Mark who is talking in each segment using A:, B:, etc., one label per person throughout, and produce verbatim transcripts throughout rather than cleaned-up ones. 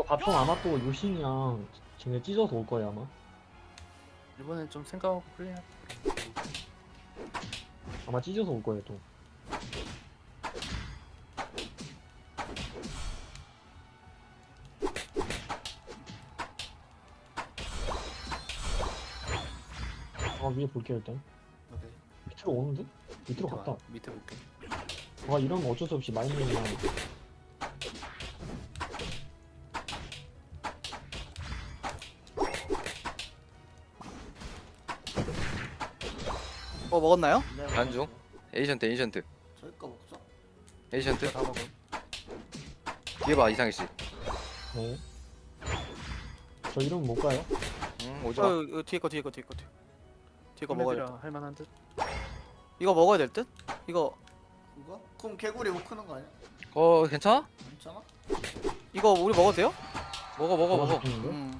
A: 바텀 아마 또 요신이랑 쟤네 찢어서 올 거야 아마.
B: 이번엔 좀 생각하고 플레이할.
A: 아마 찢어서 올 거예요 또. 아 위에 볼게요 일단.
B: 오케이.
A: 밑으로 오는데? 밑으로
B: 밑에
A: 갔다.
B: 와, 밑에 볼게.
A: 아 이러면 어쩔 수 없이 마이너이랑
C: 어 먹었나요?
D: 안중 에이전트 에이전트
E: 저희 거 먹자.
D: 에이전트
B: 다 먹어.
D: 뒤에 봐 이상희씨.
A: 네. 저 이러면 못 가요?
D: 응 오지마.
C: 저 이거 뒤에 거 뒤에 거 뒤에 거 뒤에 거. 뒤에 거 먹어야 돼.
B: 할 만한 듯.
C: 이거 먹어야 될 듯? 이거
E: 이거? 그럼 개구리 못 크는 거 아니야?
D: 어 괜찮아?
E: 괜찮아?
C: 이거 우리 먹어도 돼요?
D: 먹어 먹어 먹어.
A: 죽는데?
C: 음.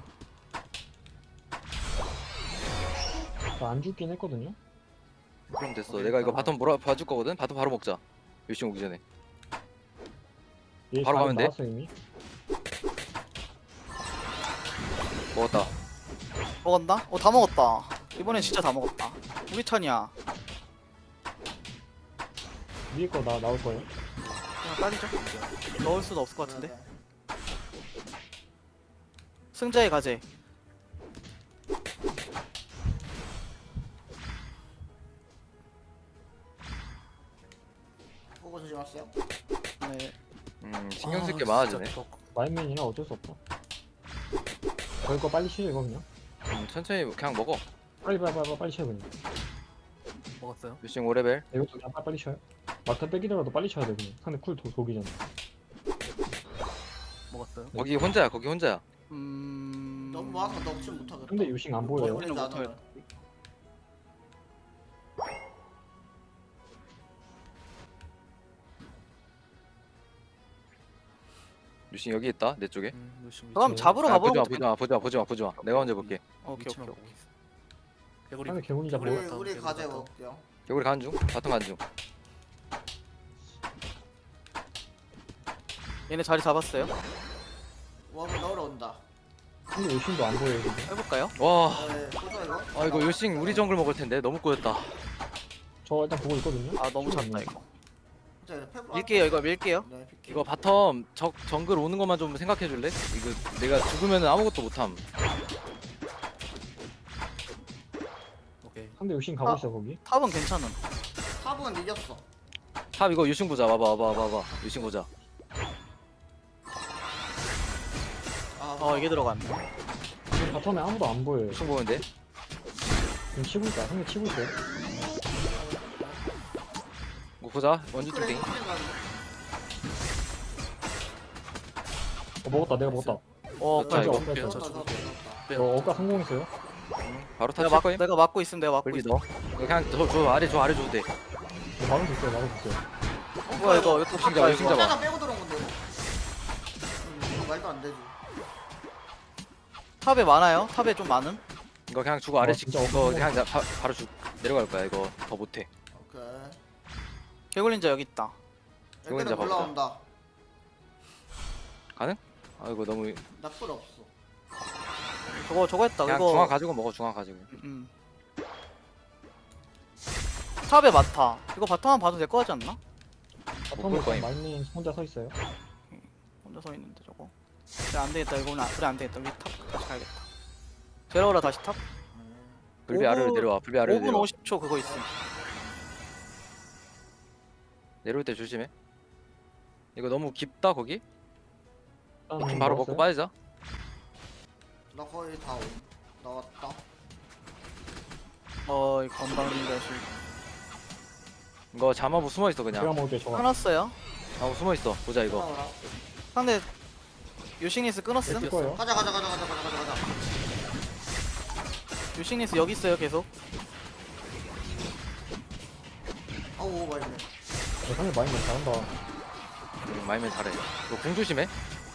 A: 저안 죽긴 했거든요?
D: 그럼 됐어.
B: 오케이,
D: 내가 이거
B: 그럼.
D: 바텀 몰아 봐줄 거거든. 바텀 바로 먹자. 열심히 오기 전에.
A: 얘
D: 바로
A: 잘
D: 가면 돼?
A: 나왔어 이미?
D: 먹었다.
C: 먹었나? 어 다 먹었다. 이번엔 진짜 다 먹었다. 우리 턴이야.
A: 위에 거 나 나올 거예요?
C: 그냥 빨리죠. 넣을 수도 없을 것 같은데.
E: 네, 네.
C: 승자의 가제.
E: 보고 조심하세요.
C: 네.
D: 음 신경 쓸 게
B: 아,
D: 많아지네.
B: 진짜 저-
A: 마인맨이라 어쩔 수 없다. 저희 거 빨리 치죠 이거 그냥.
D: 음, 천천히 그냥 먹어.
A: 빨리 빨리 빨리 빨리 쳐요 그냥.
B: 먹었어요.
D: 열심히 오 레벨.
A: 이것도 그냥 빨리 빨리 쳐요. 막타 빼기더라도 빨리 쳐야 돼 그냥. 상대 쿨 도, 독이잖아.
B: 먹었어요.
D: 거기 혼자야. 거기 혼자야.
C: 음.
E: 너무 많아서 넉질 못하겠다.
A: 근데 요신 안 보여요.
E: 개구리는
C: 못
E: 안 하면.
C: 하겠다.
D: 유신 여기 있다. 내 쪽에.
B: 음, 열심히
C: 그럼
B: 위치
C: 잡으러
D: 아,
C: 가보는
D: 보지 마
C: 것도
D: 보지 마 보지 마 보지 마 보지 마. 내가 먼저 볼게.
C: 오케이
B: 위치만
C: 오케이
B: 보고
C: 오케이.
B: 있어. 개구리.
A: 상대 개구리 잡고.
E: 우리
B: 먹었다,
E: 우리
B: 개구리
E: 가재
B: 먹었다.
E: 먹을게요.
D: 여기 가는 중. 바텀 가는 중.
C: 얘네 자리 잡았어요.
E: 와, 뭐 넣으러 온다.
A: 근데 요신도 안 보여요 지금.
C: 해볼까요?
D: 와.
E: 네, 보자 이거.
D: 아 이거 요신 우리 정글 먹을 텐데 너무 꼬였다.
A: 저 일단 보고 있거든요.
C: 아 너무
A: 시간
C: 찼다
A: 없네.
C: 이거.
E: 자, 이제 페브
C: 밀게요 이거 밀게요.
E: 네, 픽.
D: 이거 바텀 적 정글 오는 것만 좀 생각해 줄래? 이거 내가 죽으면 아무것도 못함.
B: 오케이.
A: 상대 요신 가고
C: 아.
A: 있어 거기.
C: 탑은 괜찮음.
E: 탑은 이겼어.
D: 탑 이거 유신 보자. 봐봐 봐봐 봐봐. 유신 보자.
E: 아,
C: 어 이게 들어갔네.
A: 지금 바텀에 아무도 안 보여요.
D: 유신 보는데.
A: 지금 치고 있다. 상대 치고 있어요.
D: 뭐 보자. 원주
E: 그래,
D: 뚜딩.
E: 힐 가는
A: 어 먹었다. 내가 먹었다.
C: 어
D: 자, 이거.
A: 뺐어,
B: 빼요,
A: 뺐어.
B: 저
E: 거.
B: 죽을게요.
E: 좋다.
B: 빼요.
A: 어, 어까 성공했어요.
D: 바로
C: 내가
D: 탑칠
C: 막
D: 거임.
C: 내가 막고 있으면 내가 막고
D: 불비
C: 있어.
D: 넣어. 이거 그냥 저, 저 아래 저 아래 줘도 돼.
A: 어, 막을 수 있어요. 막을 수 있어요.
C: 뭐야 이거 이거
D: 신기하다,
C: 탑가 이거.
D: 신기하다.
E: 혼자가 빼고 들어온 건데. 이거? 음, 이거 말도 안 되지.
C: 탑에 많아요? 탑에 좀 많음?
D: 이거 그냥 주고 아래씩
A: 진짜
D: 이거
A: 없는
D: 그냥 나, 바, 바로 주 내려갈 거야. 이거 더 못해.
E: 오케이.
C: 개굴린자 여기 있다.
D: 이거 이제
E: 애들은
D: 봐보자.
E: 올라온다.
D: 가능? 아 이거 너무
E: 나쁠 없어.
C: 저거 저거 했다.
D: 그냥
C: 이거.
D: 중앙 가지고 먹어. 중앙 가지고.
C: 음. 탑에 많다. 이거 바텀만 봐도 될 거 같지 않나?
D: 볼 거임.
A: 바텀에 마인맨 혼자 서 있어요.
C: 혼자 서 있는데 저거. 그래 안 되겠다. 이거는 안, 그래 안 되겠다. 우리 탑 다시 가야겠다. 데려오라 다시 탑.
D: 불비
C: 오 분-
D: 아래로 내려와. 불비 아래로
C: 오 분
D: 내려와.
C: 오십 초 그거 있음.
D: 내려올 때 조심해. 이거 너무 깊다 거기.
A: 일단
D: 좀 바로 먹고
A: 먹었어요.
D: 빠지자.
E: 나 거의 다 오. 나왔다.
C: 어, 이 건방진 자식.
D: 이거 잠하고 숨어 있어
A: 제가
D: 그냥.
A: 먹을게 저거.
C: 끊었어요.
D: 하고 숨어 있어. 보자 이거.
E: 올라오라.
C: 상대 유식니스 끊었음.
A: 뺄 거예요.
E: 가자 가자 가자 가자 가자 가자 가자.
C: 유식니스 여기 있어요 계속.
E: 아우 말네.
A: 네, 상대 마인맨 잘한다.
D: 음, 마이면 잘해. 이거 궁 조심해.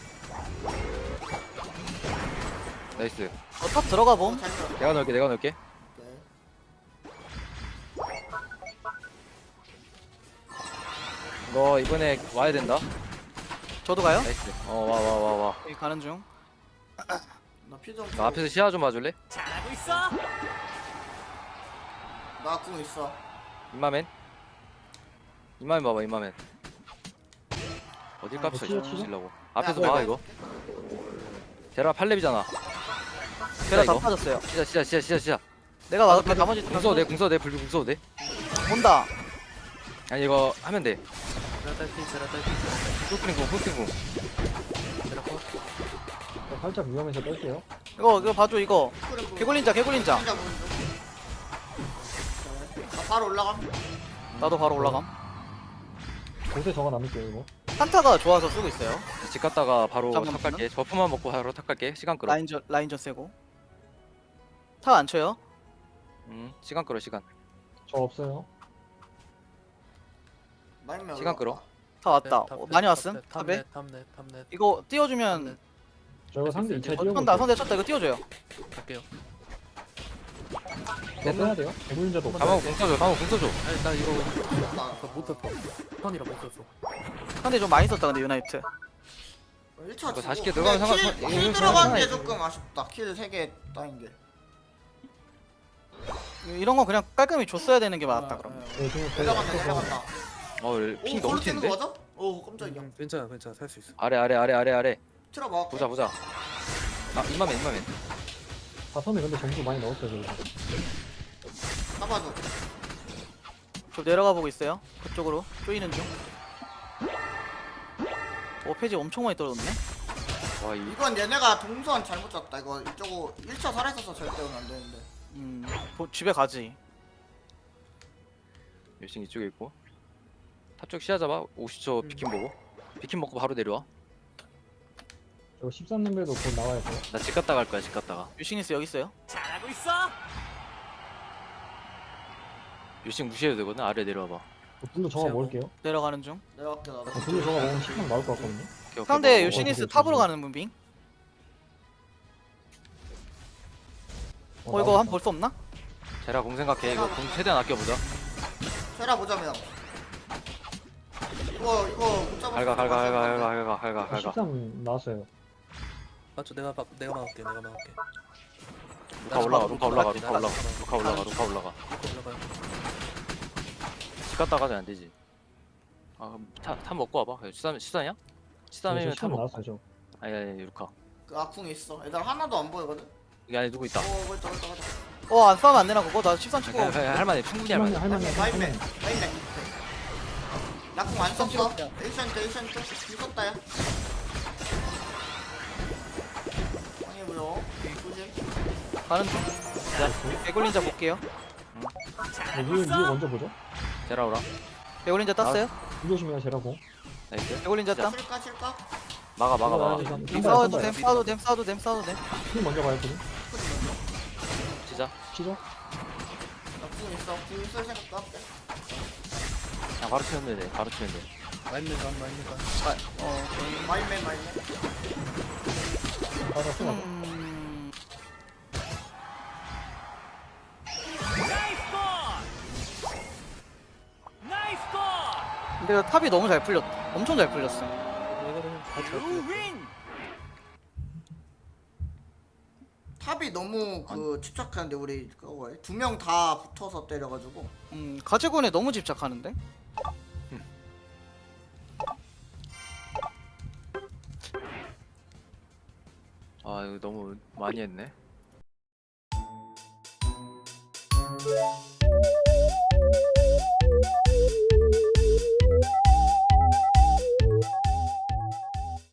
D: 나이스.
C: 어, 탑 들어가 봄.
E: 잘 들어.
D: 내가 넣을게. 내가 넣을게.
E: 오케이.
D: 이거 이번에 와야 된다.
C: 저도 가요?
D: 나이스. 어 와 와 와 와.
C: 여기 가는 중.
E: 나 피좀
D: 나 앞에서 시야 좀 봐줄래?
E: 나궁 있어.
D: 임마맨. 임마맨 봐봐 임마맨. 어딜
C: 아,
D: 깝쳐
A: 치워, 치워.
D: 주려고. 앞에서
E: 야,
D: 봐 이거. 제라 팔 렙이잖아.
C: 제가 다
D: 이거.
C: 빠졌어요.
D: 시작 시작 시작 시작 시작.
C: 내가 막을게. 나머지
D: 궁서도 돼 궁서도 돼 불비 궁서도 돼.
C: 온다.
D: 아니 이거 하면 돼.
B: 제라 딸피 제라 딸피 제라 딸피
D: 풀스크린 궁 풀스크린 궁.
B: 제라 컷.
A: 저 살짝 위험해서 뺄게요.
C: 이거 이거 봐줘 이거.
E: 그래,
C: 개굴린자 개굴린자.
E: 진짜 보는 중. 나 바로 올라감.
C: 나도 바로 올라감.
A: 곳에 저가 남을게요 이거.
C: 한타가 좋아서 쓰고 있어요.
D: 집 갔다가 바로
C: 잠깐만.
D: 탑 갈게. 버프만 먹고 바로 탑 갈게. 시간 끌어.
C: 라인전 라인전 세고. 타 안 쳐요?
D: 음 시간 끌어 시간.
A: 저 없어요.
E: 마인맨
D: 시간
E: 올라가.
D: 끌어.
C: 타 왔다.
B: 네, 탑,
C: 어,
B: 탑,
C: 많이
B: 탑,
C: 왔음.
B: 탑,
C: 탑에.
B: 탑넷 탑넷 탑넷
C: 이거 띄워주면
B: 탑넷.
A: 저 이거 상대 이 차 뛰어볼게요.
C: 선다 선대 쳤다. 이거 띄워줘요.
B: 갈게요.
A: 저 빼야 돼요. 개굴린자도 없어.
D: 가만 궁 써줘. 가만 궁 써줘.
B: 아니 나 이거
E: 나
B: 이거 못 썼어. 턴이라 못 썼어.
C: 상대 좀 많이 썼다 근데 유나이트.
E: 일 차
D: 이거
E: 주고.
D: 사십 개
E: 근데
D: 들어가면
E: 킬,
D: 상관-
E: 킬
D: 이거
E: 들어간 게
D: 상관없어.
E: 조금 아쉽다. 킬 세 개 따인 게.
C: 이런 건 그냥 깔끔히 줬어야 되는 게 맞았다
E: 아,
C: 그럼.
E: 아,
A: 네, 지금
E: 내려간다 내려간다.
D: 어 핑
E: 오
D: 너무
E: 골 튀는
D: 튀는데?
E: 거 맞아? 오 깜짝이야.
B: 음, 괜찮아 괜찮아 살 수 있어.
D: 아래 아래 아래 아래 아래.
E: 틀어 봐.
D: 보자 보자. 아 임마맨 임마맨.
A: 바텀에 근데 점수 많이 넣었어요 저기서.
E: 잡아줘.
C: 저 내려가 보고 있어요. 그쪽으로 쪼이는 중. 오 페이지 엄청 많이 떨어졌네.
D: 와 이.
E: 이건 얘네가 동선 잘못 짰다. 이거 이쪽으로 일 차 살아있어서 절대 오면 안 되는데.
C: 음 보- 집에 가지.
D: 열심히 이쪽에 있고. 탑 쪽 시야 잡아. 오십 초 비킨 보고. 비킨 먹고 바로 내려와.
A: 저 십삼 렘벨도 곧 나와야 돼요.
D: 나 집 갔다 갈 거야 집 갔다가.
C: 유시니스 여기 있어요.
D: 유식 무시해도 되거든. 아래 내려와봐.
A: 저 블루 저가 먹을게요.
C: 내려가는 중.
E: 내려갈게 나도.
A: 저 블루 저가 먹으면 십삼 나올 것 같거든요.
D: 오케이, 오케이,
C: 상대
D: 먹어.
C: 유시니스
A: 어,
C: 탑으로
A: 그래,
C: 가는 문빙. 어 이거
A: 나오겠다.
C: 한 번 볼 수 없나?
D: 제라 공 생각해. 이거 공 최대한 아껴보자.
E: 세라 보자면. 이거 이거 못 잡았어.
D: 갈가 갈가 갈가 갈가 갈가 갈가
A: 저
D: 갈가.
A: 십삼 나왔어요.
B: 맞죠 내가 막 내가 막을게 내가 막을게.
D: 루카 올라가 루카 올라가 루카 올라가 루카 올라가 루카 올라가.
B: 이거 올라가요.
D: 집 갔다 가면 안 되지. 아탑탑 먹고 와봐. 시삼 시삼이야? 시삼이면 탑
A: 십삼
D: 먹.
A: 나왔어요 저.
D: 아니 아니 루카.
E: 그 아궁 있어. 애들 하나도 안 보이거든.
D: 여기 안에 누구 있다.
E: 오 그렇다 그렇다 그렇다.
C: 어안 싸우면 안 되나 그거? 나 십삼 치고.
D: 그냥 그냥 할만해 충분히 할만해.
A: 할만해 할만해.
E: 마인맨
A: 할만해.
E: 마인맨. 나궁 안 썼어. 에이션트 에이션트 있었다 야. 아니 뭐요? 굳이?
C: 가는 중. 자 개굴린자 볼게요.
A: 네, 위에 위에 먼저 보죠.
D: 제라 오라.
C: 개굴린자 땄어요?
A: 불 조심해요 제라고.
D: 나이스.
C: 개굴린자 땀.
E: 칠까 칠까?
D: 막아 막아 막아.
C: 님 싸워도 됨 싸워도 됨 싸워도 됨 싸워도 됨.
A: 팀 먼저 가요 팀.
D: 진짜.
A: 치죠?
E: 나궁 있어. 궁 있을 생각도 할게.
D: 그냥 바로 치면 돼. 바로 치면 돼.
B: 마인맨 간 마인맨 간.
C: 어.
E: 마인맨 마인맨.
A: 맞아 쏘
C: 음... 근데 이거 탑이 너무 잘 풀렸. 엄청 잘 풀렸어.
B: 이거는 다 잘.
E: 탑이 너무 그 집착하는데 우리 그거 두명 다 붙어서 때려가지고.
C: 음 가채군에 너무 집착하는데.
D: 아 이거 너무 많이 했네.